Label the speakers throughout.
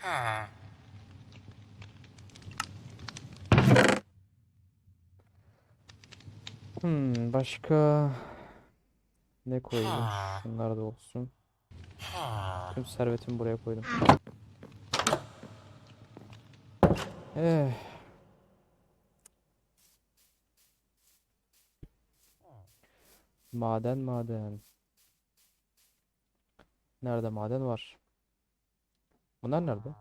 Speaker 1: Başka ne koyayım? Şunlar da olsun. Tüm servetimi buraya koydum. Eh, maden. Nerede maden var? Bunlar nerede?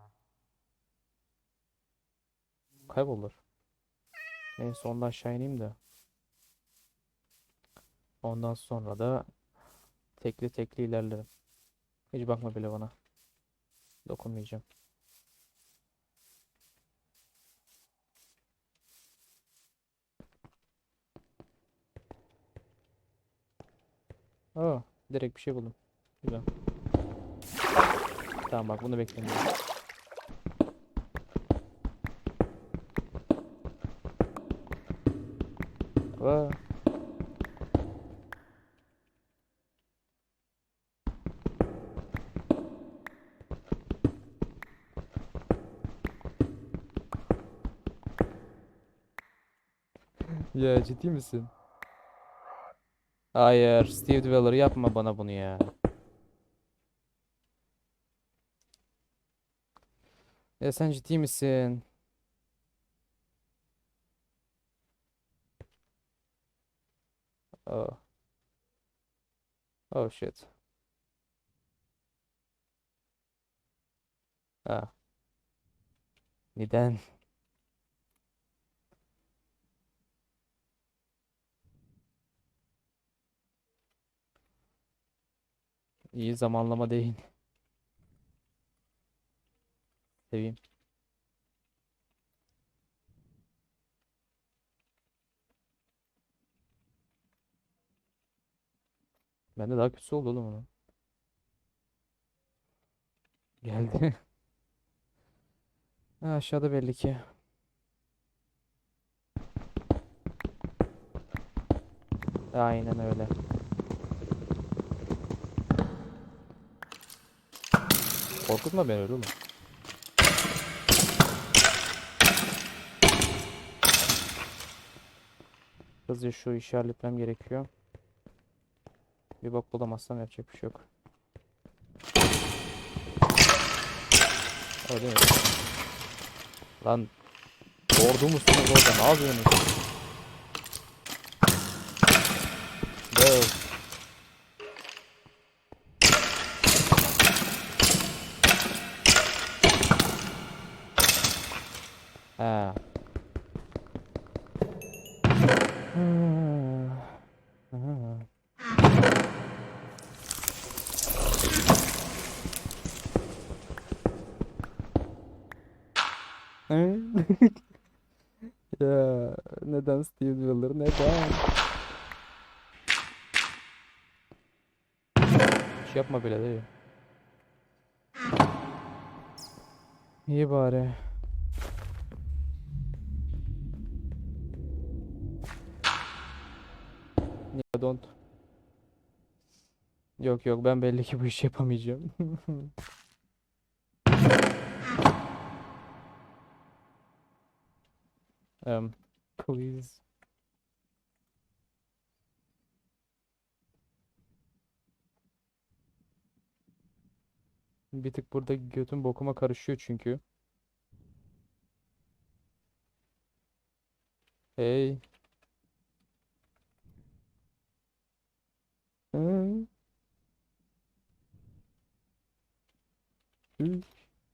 Speaker 1: Kaybolur. Neyse ondan aşağı ineyim de. Ondan sonra da tekli tekli ilerlerim. Hiç bakma bile bana. Dokunmayacağım. Aa, direkt bir şey buldum. Güzel. Tamam bak bunu beklemiyorum. Aa, ya ciddi misin? Hayır, Steve Dweller yapma bana bunu ya. Ya sen ciddi misin? Oh, oh shit. Ha, neden? İyi zamanlama değil. Seveyim. Bende daha kötüsü oldu oğlum onu. Geldi. Ha, aşağıda belli ki. Aynen öyle. Korkutma beni öyle oğlum. Hızlıca şu işi halletmem gerekiyor. Bir bak bulamazsam yapacak bir şey yok. Öyle mi? Lan ordu musunuz orada? Ne yapıyorsunuz? Dev. Ha. Ya neden Steve Dweller? Neden? Hiç yapma bile değil. İyi bari. Niye don't? Yok yok ben belli ki bu işi yapamayacağım. Please. Bir tık burada götüm bokuma karışıyor çünkü. Hey. Hı, hı.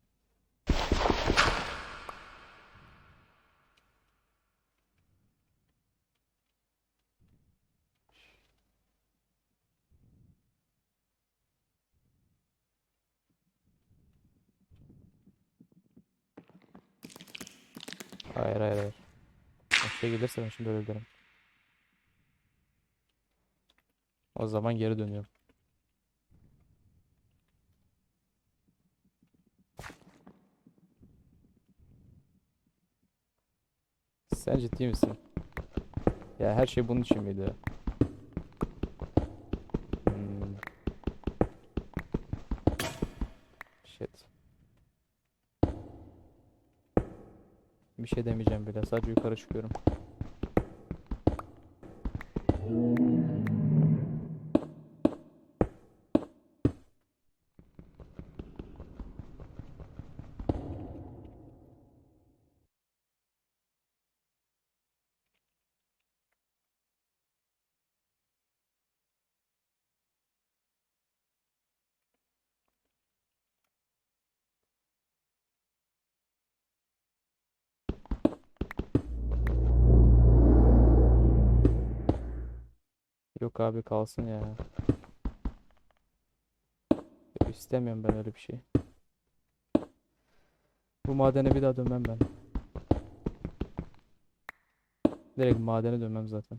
Speaker 1: Hayır. O şey gelirse ben şimdi öyle derim. O zaman geri dönüyorum. Sen ciddi misin? Ya her şey bunun için miydi? Hmm, shit. Bir şey demeyeceğim bile. Sadece yukarı çıkıyorum. Yok abi kalsın ya. İstemiyorum ben öyle bir şey. Bu madene bir daha dönmem ben. Direkt madene dönmem zaten.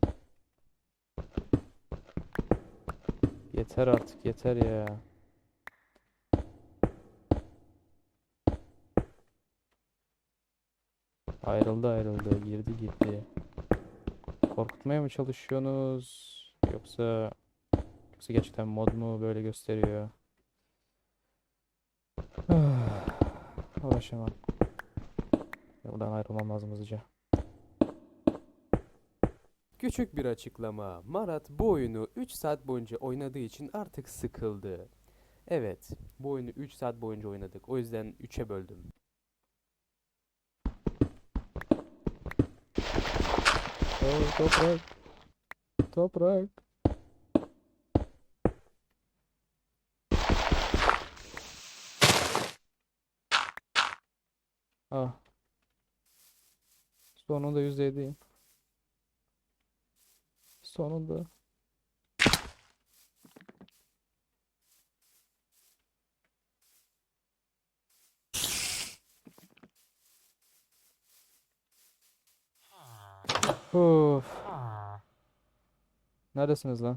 Speaker 1: Yeter artık yeter ya. Ayrıldı girdi gitti. Korkutmaya mı çalışıyorsunuz? Yoksa gerçekten mod mu böyle gösteriyor? Uğraşamam. Buradan ayrılmam lazım hızlıca.
Speaker 2: Küçük bir açıklama. Marat bu oyunu 3 saat boyunca oynadığı için artık sıkıldı. Evet, bu oyunu 3 saat boyunca oynadık. O yüzden 3'e böldüm.
Speaker 1: Oh, toprak. Toprak. Ah. Sonunda %7'yim. Sonunda. Of. Neredesiniz lan?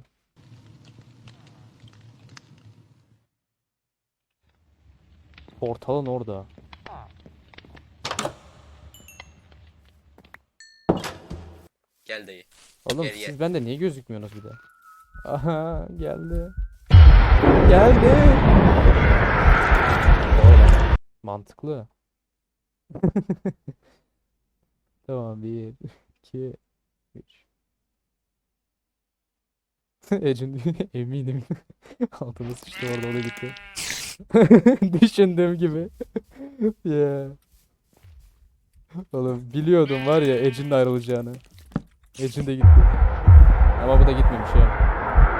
Speaker 1: Portalın orada.
Speaker 3: Gel dayı.
Speaker 1: Oğlum
Speaker 3: Gel gel.
Speaker 1: siz bende niye gözükmüyorsunuz bir de? Aha geldi. Geldi. Oğlum, mantıklı. Tamam 1, 2, 3. Ecin eminim. Altıma sıçtı orada o da gitti. Düşündüğüm gibi. Yeah. Oğlum biliyordum var ya Ecin de ayrılacağını. Ecin de gitti. Ama bu da gitmemiş ya.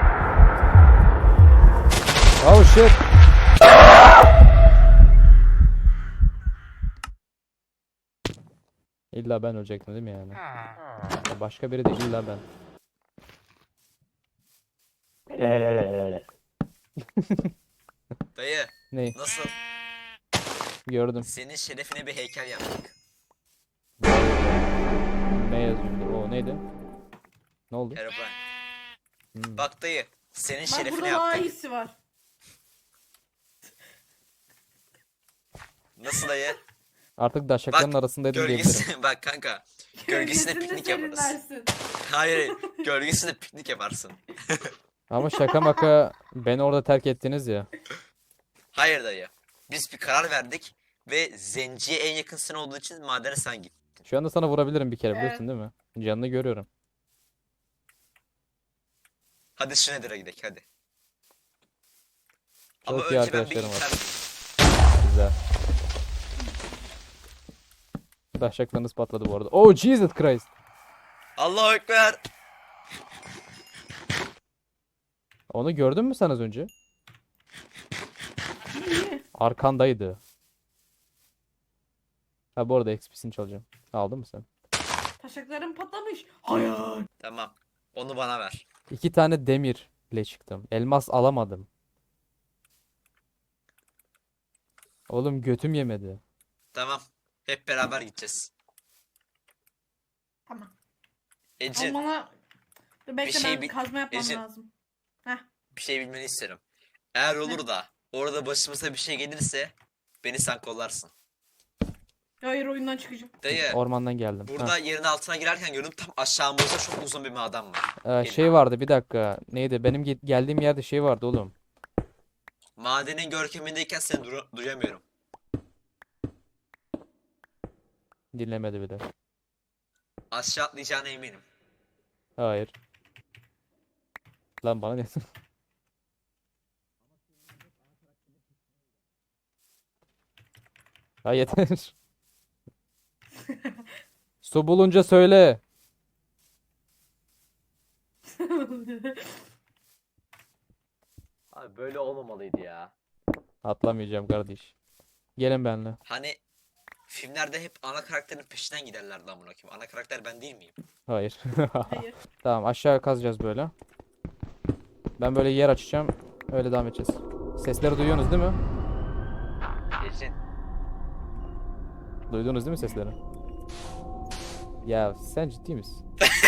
Speaker 1: Oh shit. İlla ben ölecektim değil mi yani? Ya başka biri de illa ben.
Speaker 3: Dayı
Speaker 1: Ney?
Speaker 3: nasıl?
Speaker 1: Gördüm.
Speaker 3: Senin şerefine bir heykel yaptık.
Speaker 1: Ne yazıyordu? O neydi? Ne oldu?
Speaker 3: Herobrine.
Speaker 1: Hmm.
Speaker 3: Bak dayı. Senin
Speaker 4: Bak
Speaker 3: şerefine
Speaker 4: burada daha
Speaker 3: yaptık.
Speaker 4: iyisi var.
Speaker 3: Nasıl dayı?
Speaker 1: Artık daşakların
Speaker 3: Bak
Speaker 1: arasındaydım diyebilirim.
Speaker 3: gölgesi. Bak kanka. Gölgesinde
Speaker 4: Gölgesinde
Speaker 3: piknik yaparız.
Speaker 4: serinlersin.
Speaker 3: Hayır. Gölgesinde piknik yaparsın.
Speaker 1: Ama şaka maka beni orada terk ettiniz ya.
Speaker 3: Hayır dayı. Biz bir karar verdik. Ve zenciye en yakın sen olduğu için madene sen git.
Speaker 1: Şu anda sana vurabilirim bir kere biliyorsun
Speaker 4: Evet.
Speaker 1: değil mi? Canını görüyorum.
Speaker 3: Hadi Schneider'a gidelim hadi. Ama
Speaker 1: Çok iyi
Speaker 3: önce ben bir
Speaker 1: arkadaşlarım var.
Speaker 3: intihar
Speaker 1: Güzel. Daşaklarınız patladı bu arada. Oh Jesus Christ.
Speaker 3: Allahu Ekber.
Speaker 1: Onu gördün mü sen az önce? Arkandaydı. Ha bu arada XP'sini çalacağım. Aldın mı sen?
Speaker 4: Taşaklarım patlamış. Hayır.
Speaker 3: Tamam. Onu bana ver.
Speaker 1: 2 tane demirle çıktım. Elmas alamadım. Oğlum götüm yemedi.
Speaker 3: Tamam. Hep beraber gideceğiz.
Speaker 4: Tamam.
Speaker 3: Ecin.
Speaker 4: Ama bana... Dur bekle
Speaker 3: şey
Speaker 4: ben
Speaker 3: bir-
Speaker 4: kazma yapmam
Speaker 3: Ecin.
Speaker 4: lazım. Heh.
Speaker 3: Bir şey bilmeni isterim. Eğer olur da orada başımıza bir şey gelirse beni sen kollarsın.
Speaker 4: Hayır oyundan çıkacağım.
Speaker 3: Dayı
Speaker 1: Ormandan geldim.
Speaker 3: burada yerin altına girerken gördüm tam aşağımızda çok uzun bir maden var. Gelin.
Speaker 1: Şey vardı bir dakika. Neydi? Benim geldiğim yerde şey vardı oğlum.
Speaker 3: Madenin görkemindeyken seni duyamıyorum.
Speaker 1: Dinlemedi bile.
Speaker 3: Aşağı atlayacağına eminim.
Speaker 1: Hayır. Lan bana ne? Ha yeter. Su bulunca söyle.
Speaker 3: Abi böyle olmamalıydı ya.
Speaker 1: Atlamayacağım kardeş. Gelin benimle.
Speaker 3: Hani filmlerde hep ana karakterin peşinden giderlerdi amına koyayım. Ana karakter ben değil miyim?
Speaker 1: Hayır.
Speaker 4: Hayır.
Speaker 1: Tamam aşağı kazacağız böyle. Ben böyle yer açacağım. Öyle devam edeceğiz. Sesleri duyuyorsunuz değil mi?
Speaker 3: Geçin.
Speaker 1: Duydunuz değil mi sesleri? Ya sen ciddi misin?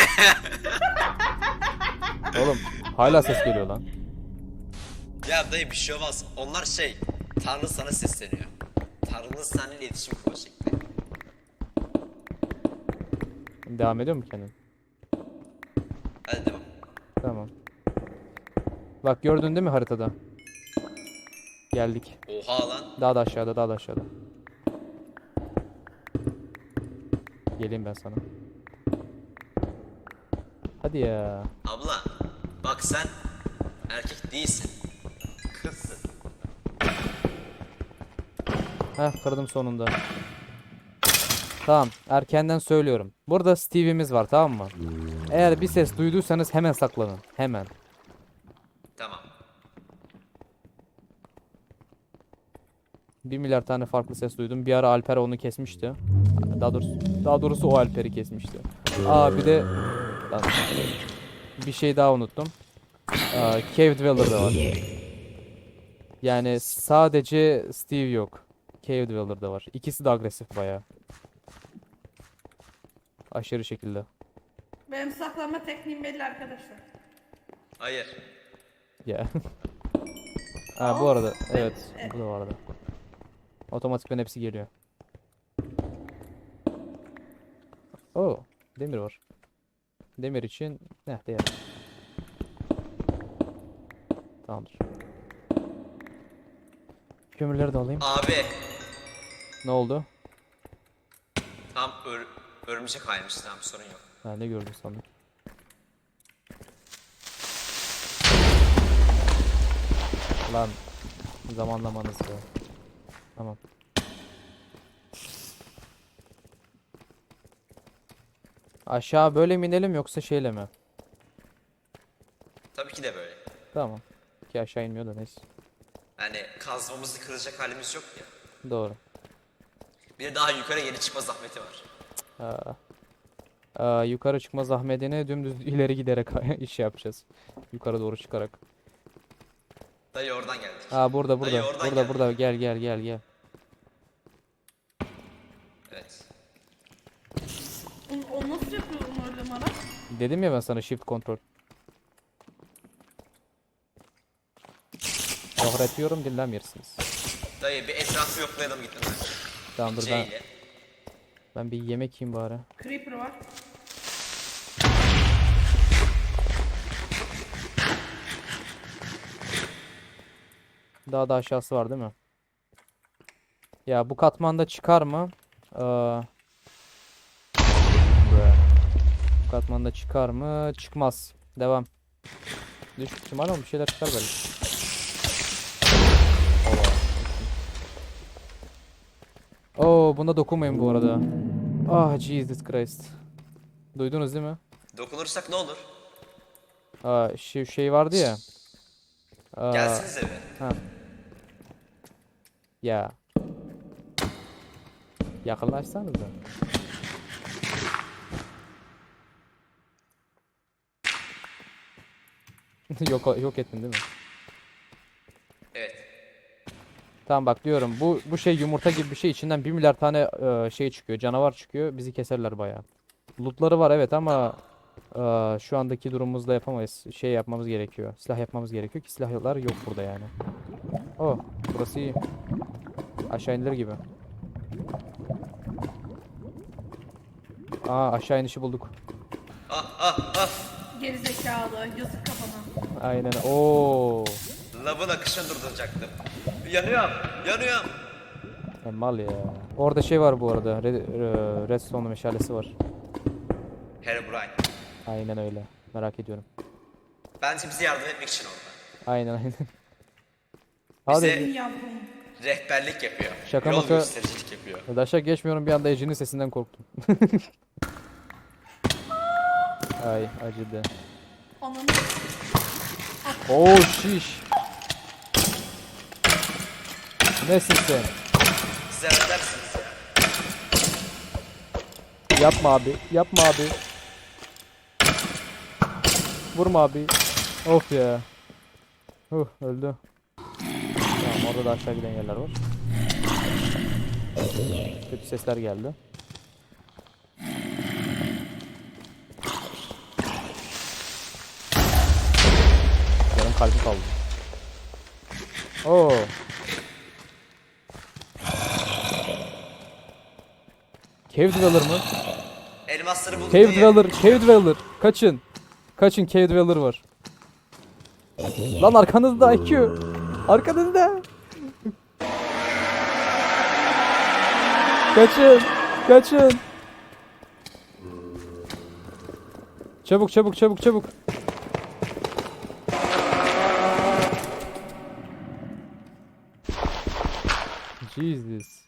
Speaker 1: Oğlum hala ses geliyor lan.
Speaker 3: Ya dayı bir şey olmaz. Onlar şey, Tanrı sana sesleniyor. Tanrı'nın seninle iletişim kurma şekli.
Speaker 1: Devam ediyor mu kendin?
Speaker 3: Hadi devam.
Speaker 1: Tamam. Bak gördün değil mi haritada? Geldik.
Speaker 3: Oha lan.
Speaker 1: Daha da aşağıda, daha da aşağıda. Geleyim ben sana. Hadi ya.
Speaker 3: Abla, bak sen erkek değilsin. Kızsın.
Speaker 1: Heh kırdım sonunda. Tamam erkenden söylüyorum. Burada Steve'imiz var tamam mı? Eğer bir ses duyduysanız hemen saklanın. Hemen.
Speaker 3: Tamam.
Speaker 1: 1 milyar tane farklı ses duydum. Bir ara Alper onu kesmişti. Daha doğrusu o Alper'i kesmişti. Aa bir de lan, bir şey daha unuttum. Cave Dweller da var. Yani sadece Steve yok. Cave Dweller da var. İkisi de agresif bayağı. Aşırı şekilde.
Speaker 4: Benim saklanma tekniğim belli arkadaşlar.
Speaker 3: Hayır.
Speaker 1: Ya. Ha bu arada evet bu da vardı. Otomatikten hepsi geliyor. Oo, demir var. Demir için ne değer. Tamamdır. Kömürleri de alayım.
Speaker 3: Abi,
Speaker 1: Ne oldu?
Speaker 3: tam örümcek kaymış. Tamam sorun yok.
Speaker 1: Ha ne gördün sandım. Lan zamanlamanız ya. Tamam. Aşağı böyle mi inelim yoksa şeyle mi?
Speaker 3: Tabii ki de böyle.
Speaker 1: Tamam. Ki aşağı inmiyor da neyse.
Speaker 3: Yani kazmamızı kıracak halimiz yok ya.
Speaker 1: Doğru.
Speaker 3: Bir de daha yukarı yeni çıkma zahmeti var.
Speaker 1: Yukarı çıkma zahmetine dümdüz ileri giderek iş yapacağız. Yukarı doğru çıkarak.
Speaker 3: Dayı oradan geldik.
Speaker 1: Burada
Speaker 3: Dayı oradan
Speaker 1: burada
Speaker 3: geldik.
Speaker 1: burada gel.
Speaker 3: Evet.
Speaker 4: O nasıl yapıyorum öyle Marat?
Speaker 1: Dedim ya ben sana shift kontrol. Öğretiyorum dinlemiyorsunuz.
Speaker 3: Dayı bir etrafı yoklayalım gittim ben.
Speaker 1: Tamam dur ben,
Speaker 3: Şeyle.
Speaker 1: ben bir yemek yiyeyim bari.
Speaker 4: Creeper var.
Speaker 1: Daha da aşağısı var değil mi? Ya bu katmanda çıkar mı? Bu katmanda çıkar mı? Çıkmaz. Devam. Düşük ihtimal ama bir şeyler çıkar belki. Oo buna dokunmayın bu arada. Ah Jesus Christ. Duydunuz değil mi?
Speaker 3: Dokunursak ne olur?
Speaker 1: Şu şey vardı ya.
Speaker 3: Gelsiniz eve.
Speaker 1: Ha. Ya. Yakınlaşsanız da. Yok ettin değil mi?
Speaker 3: Evet.
Speaker 1: Tamam bak diyorum bu şey yumurta gibi bir şey içinden 1 milyar tane şey çıkıyor canavar çıkıyor bizi keserler bayağı. Lootları var evet ama şu andaki durumumuzda yapamayız. Şey yapmamız gerekiyor. Silah yapmamız gerekiyor ki silahlar yok burada yani. Oh burası iyi. Aşağı inilir gibi. Aşağı inişi bulduk.
Speaker 3: Ah.
Speaker 4: Gerizekalı. Yazık kafana.
Speaker 1: Aynen. Oo.
Speaker 3: Lavın akışını durduracaktım. Yanıyorum.
Speaker 1: Mal ya. Orada şey var bu arada. Redstone meşalesi var.
Speaker 3: Herobrine.
Speaker 1: Aynen öyle. Merak ediyorum.
Speaker 3: Bence bize yardım etmek için orada.
Speaker 1: Aynen aynen.
Speaker 3: Bize
Speaker 1: Hadi.
Speaker 4: Yavrum.
Speaker 3: rehberlik yapıyor.
Speaker 1: Şaka
Speaker 3: Yol
Speaker 1: maka-
Speaker 3: göstericilik yapıyor.
Speaker 1: Daşa geçmiyorum, bir anda Ece'nin sesinden korktum. Ay acıdı.
Speaker 4: Ananı.
Speaker 1: Oh şiş. Nesin sen?
Speaker 3: Siz halledersiniz ya.
Speaker 1: Yapma abi. Yapma abi. Vurma abi. Of ya. Öldü. Tamam, orada da aşağı giden yerler var. Kötü sesler geldi. Yarım kalbi kaldı. Oo. Cave Dweller mı?
Speaker 3: Elmasları bulduk
Speaker 1: Cave
Speaker 3: diye.
Speaker 1: Dweller, Cave Dweller. Kaçın. Kaçın, Cave Dweller var. Lan arkanızda IQ. Arkanızda. Kaçın. Kaçın. Çabuk çabuk çabuk çabuk. Jesus.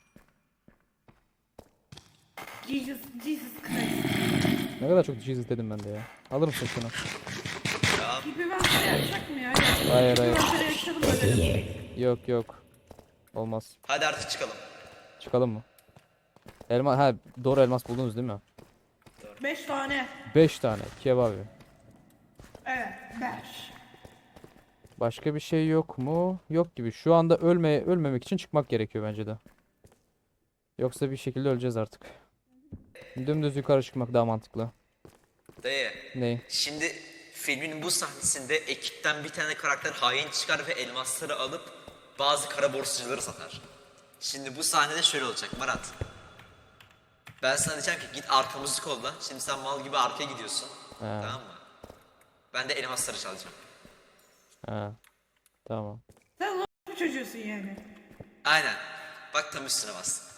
Speaker 4: Jesus Christ.
Speaker 1: Ne kadar çok Jesus dedim ben de ya. Alır mısın şunu?
Speaker 4: Gibi ben sana yapacak mı ya?
Speaker 1: Hayır, hayır.
Speaker 4: Ben sana yaşadım öyle.
Speaker 1: Yok yok. Olmaz.
Speaker 3: Hadi artık çıkalım.
Speaker 1: Çıkalım mı? Elma, ha doğru, elmas buldunuz değil mi?
Speaker 4: 5 tane.
Speaker 1: 5 tane kebabı.
Speaker 4: Evet 5.
Speaker 1: Başka bir şey yok mu? Yok gibi. Şu anda ölmemek için çıkmak gerekiyor bence de. Yoksa bir şekilde öleceğiz artık. Dümdüz yukarı çıkmak daha mantıklı.
Speaker 3: Dayı.
Speaker 1: Ney?
Speaker 3: Şimdi filmin bu sahnesinde ekipten bir tane karakter hain çıkar ve elmasları alıp bazı kara borsacıları satar. Şimdi bu sahnede şöyle olacak Marat. Ben sana diyeceğim ki git arkamızı kolla. Şimdi sen mal gibi arkaya gidiyorsun. Tamam mı? Ben de elmasları çalacağım.
Speaker 1: Ha. Tamam.
Speaker 4: Sen bu çocuğusun yani.
Speaker 3: Aynen. Bak tam üstüne bas.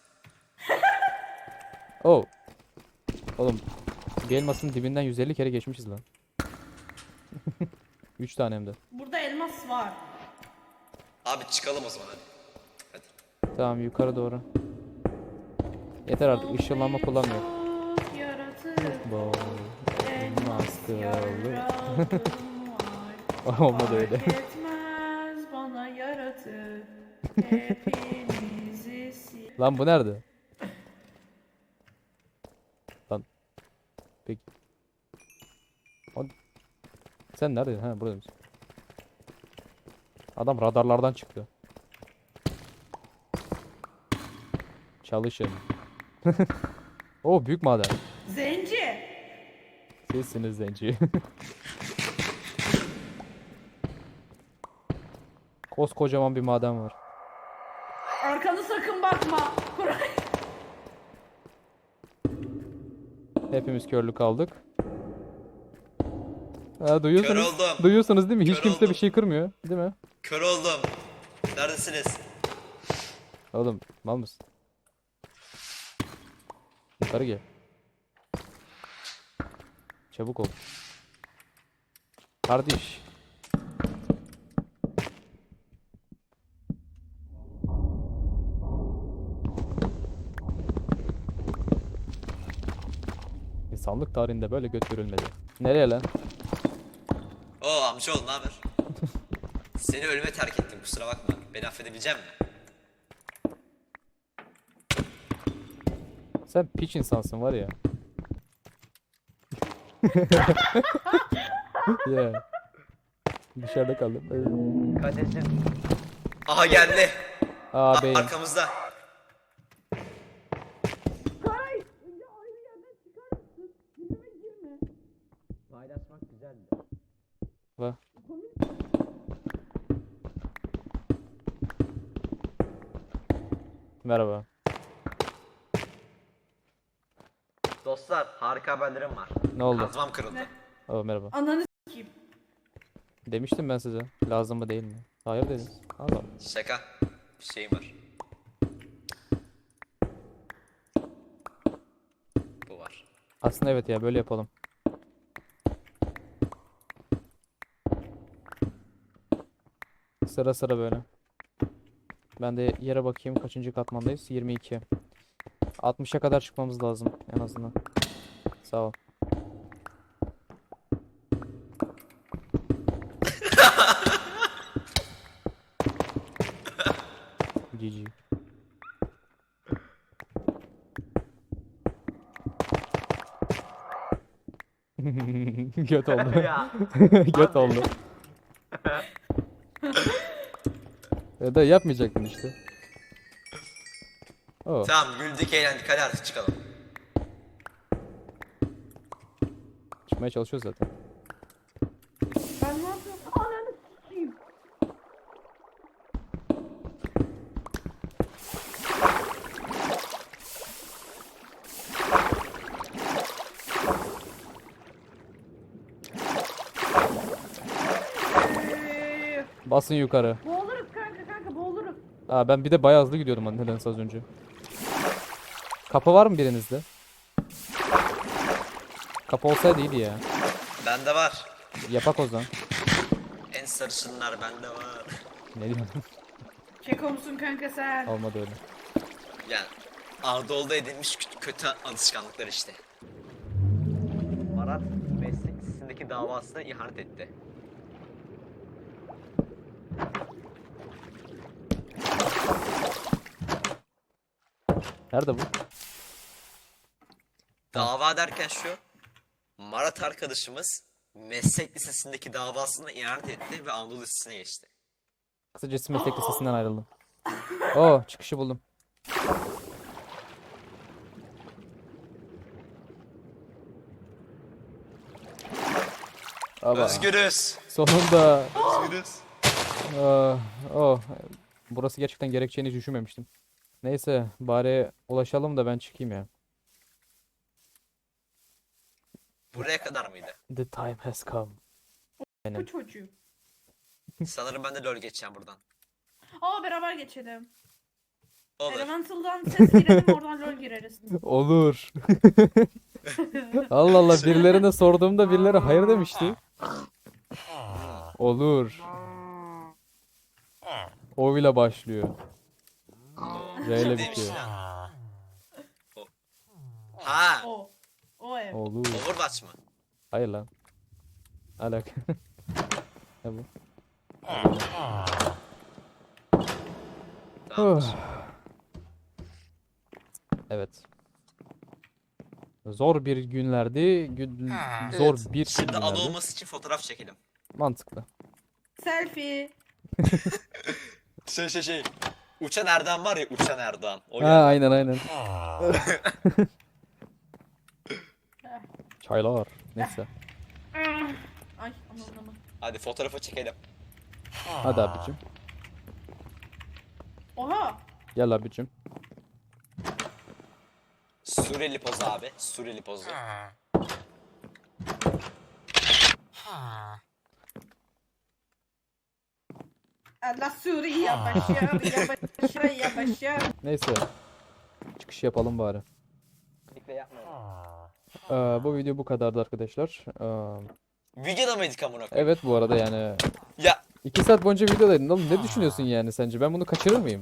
Speaker 1: Oh. Oğlum bir elmasın dibinden 150 kere geçmişiz lan. 3 tane hem de.
Speaker 4: Burada elmas var.
Speaker 3: Abi çıkalım o zaman hadi. Hadi.
Speaker 1: Tamam, yukarı doğru. Yeter artık, ışınlanma kullanmıyor.
Speaker 4: Çok yaratık.
Speaker 1: Bu
Speaker 4: Elmas
Speaker 1: kıllı.
Speaker 4: yaradım var.
Speaker 1: Olmadı öyle.
Speaker 4: Fark etmez bana yaratık. Hepinizi sil.
Speaker 1: Lan bu nerede? Lan. Peki. Sen neredeydin? Ha, burada mısın? Adam radarlardan çıktı. Çalışın. O büyük maden.
Speaker 4: Zenci.
Speaker 1: Sizsiniz zenci. Koskocaman bir maden var.
Speaker 4: Arkanı sakın bakma. Koray.
Speaker 1: Hepimiz körlük aldık. Ha, duyuyorsunuz.
Speaker 3: Kör oldum.
Speaker 1: Duyuyorsunuz değil mi? Hiç
Speaker 3: Kör
Speaker 1: kimse bir
Speaker 3: oldum.
Speaker 1: şey kırmıyor, değil mi?
Speaker 3: Kör oldum. Neredesiniz?
Speaker 1: Oğlum mal mısın? Yukarı gel. Çabuk ol. Kardeş. İnsanlık tarihinde böyle göt görülmedi. Nereye lan?
Speaker 3: Oo amcaoğlu ne haber? Seni ölüme terk ettim kusura bakma. Beni affedebilecek misin?
Speaker 1: Sen piç insansın var ya. Ya. Dışarıda kaldım.
Speaker 3: Aha geldi.
Speaker 1: Ağabeyim.
Speaker 3: Arkamızda.
Speaker 4: Koray. Ya ayrı yerden çıkar mısın? Dibime girme.
Speaker 3: Paylaşmak güzeldi.
Speaker 1: Va. Merhaba.
Speaker 3: Dostlar harika haberlerim var.
Speaker 1: Ne oldu?
Speaker 3: Kazmam kırıldı.
Speaker 4: Ne?
Speaker 1: Oo, merhaba.
Speaker 4: Ananı s**eyim.
Speaker 1: Demiştim ben size. Lazım mı değil mi? Hayır dediniz. Allah.
Speaker 3: Şaka. Bir şeyim var.
Speaker 1: Aslında evet ya, böyle yapalım. Sıra sıra böyle. Ben de yere bakayım, kaçıncı katmandayız? 22. 60'a kadar çıkmamız lazım en azından. Sağ ol. GG. Göt oldu.
Speaker 3: Ya.
Speaker 1: Göt
Speaker 3: Abi.
Speaker 1: oldu. Da yapmayacaktın işte. Oh.
Speaker 3: Tamam güldük eğlendik hadi artık çıkalım.
Speaker 1: Çıkmaya çalışıyoruz zaten.
Speaker 4: Ben ne yapıyorum? Ananı sikeyim.
Speaker 1: Basın yukarı.
Speaker 4: Boğuluruz kanka boğuluruz.
Speaker 1: Aa, ben bir de bayağı hızlı gidiyordum hani nedense az önce. Kapı var mı birinizde? Kapı olsaydı iyiydi ya.
Speaker 3: Bende var.
Speaker 1: Yapak o zaman.
Speaker 3: En sarışınlar bende var.
Speaker 1: Ne diyorsun?
Speaker 4: Keko musun kanka sen?
Speaker 1: Olmadı öyle.
Speaker 3: Yani Anadolu'da edinmiş kötü alışkanlıklar işte. Marat meslek lisesindeki davasına ihanet etti.
Speaker 1: Nerede bu?
Speaker 3: Dava derken şu. Marat arkadaşımız meslek lisesindeki davasına ihanet etti ve Anadolu Lisesi'ne geçti.
Speaker 1: Kısacası meslek lisesinden ayrıldım. Oo, çıkışı buldum. Aba,
Speaker 3: Özgürüz.
Speaker 1: sonunda.
Speaker 3: Özgürüz.
Speaker 1: Oh, burası gerçekten gerekeceğini hiç düşünmemiştim. Neyse, bari ulaşalım da ben çıkayım ya.
Speaker 3: Buraya kadar mıydı?
Speaker 1: The time has come.
Speaker 4: Bu çocuğu.
Speaker 3: Sanırım ben de LoL geçeceğim buradan.
Speaker 4: Aa beraber geçelim.
Speaker 3: Olur.
Speaker 4: Elemental'dan ses girelim oradan LoL gireriz.
Speaker 1: Olur. Allah Allah, birilerine sorduğumda birileri hayır demişti. Olur. O ile başlıyor. R ile
Speaker 3: Kimdeymiş
Speaker 1: bitiyor.
Speaker 3: ya? Ha,
Speaker 4: O. O ev.
Speaker 1: Olur.
Speaker 3: Overwatch mı?
Speaker 1: Hayır lan. Alak. Ne bu?
Speaker 3: Tamam.
Speaker 1: Evet. Zor bir günlerdi. Zor
Speaker 3: Evet.
Speaker 1: bir
Speaker 3: Şimdi
Speaker 1: günlerdi.
Speaker 3: adı olması için fotoğraf çekelim.
Speaker 1: Mantıklı.
Speaker 4: Selfie.
Speaker 3: Şey. Uçan Erdoğan var ya, Uçan Erdoğan. O
Speaker 1: Ha,
Speaker 3: geldi.
Speaker 1: aynen aynen. Çaylar. Neyse.
Speaker 4: Ay aman.
Speaker 3: Hadi fotoğrafı çekelim.
Speaker 1: Hadi abicim.
Speaker 4: Oha.
Speaker 1: Gel abicim.
Speaker 3: Suriyeli pozu abi. Suriyeli pozu.
Speaker 4: Allah Suriye başar ya başar.
Speaker 1: Neyse. Çıkış yapalım bari.
Speaker 3: Kesinlikle yapmayalım.
Speaker 1: Bu video bu kadardı arkadaşlar.
Speaker 3: Videoda mıydık amına koyayım?
Speaker 1: Evet, bu arada yani
Speaker 3: Ya
Speaker 1: 2 saat boyunca videodaydın. Oğlum ne düşünüyorsun yani sence? Ben bunu kaçırır mıyım?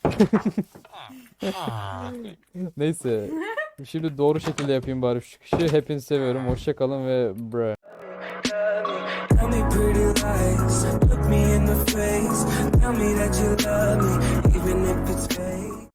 Speaker 1: Neyse. Şimdi doğru şekilde yapayım bari şu çıkışı. Hepinizi seviyorum. Hoşça kalın ve bre.
Speaker 5: Tell me pretty lies, look me in the face. Tell me that you love me, even if it's fake.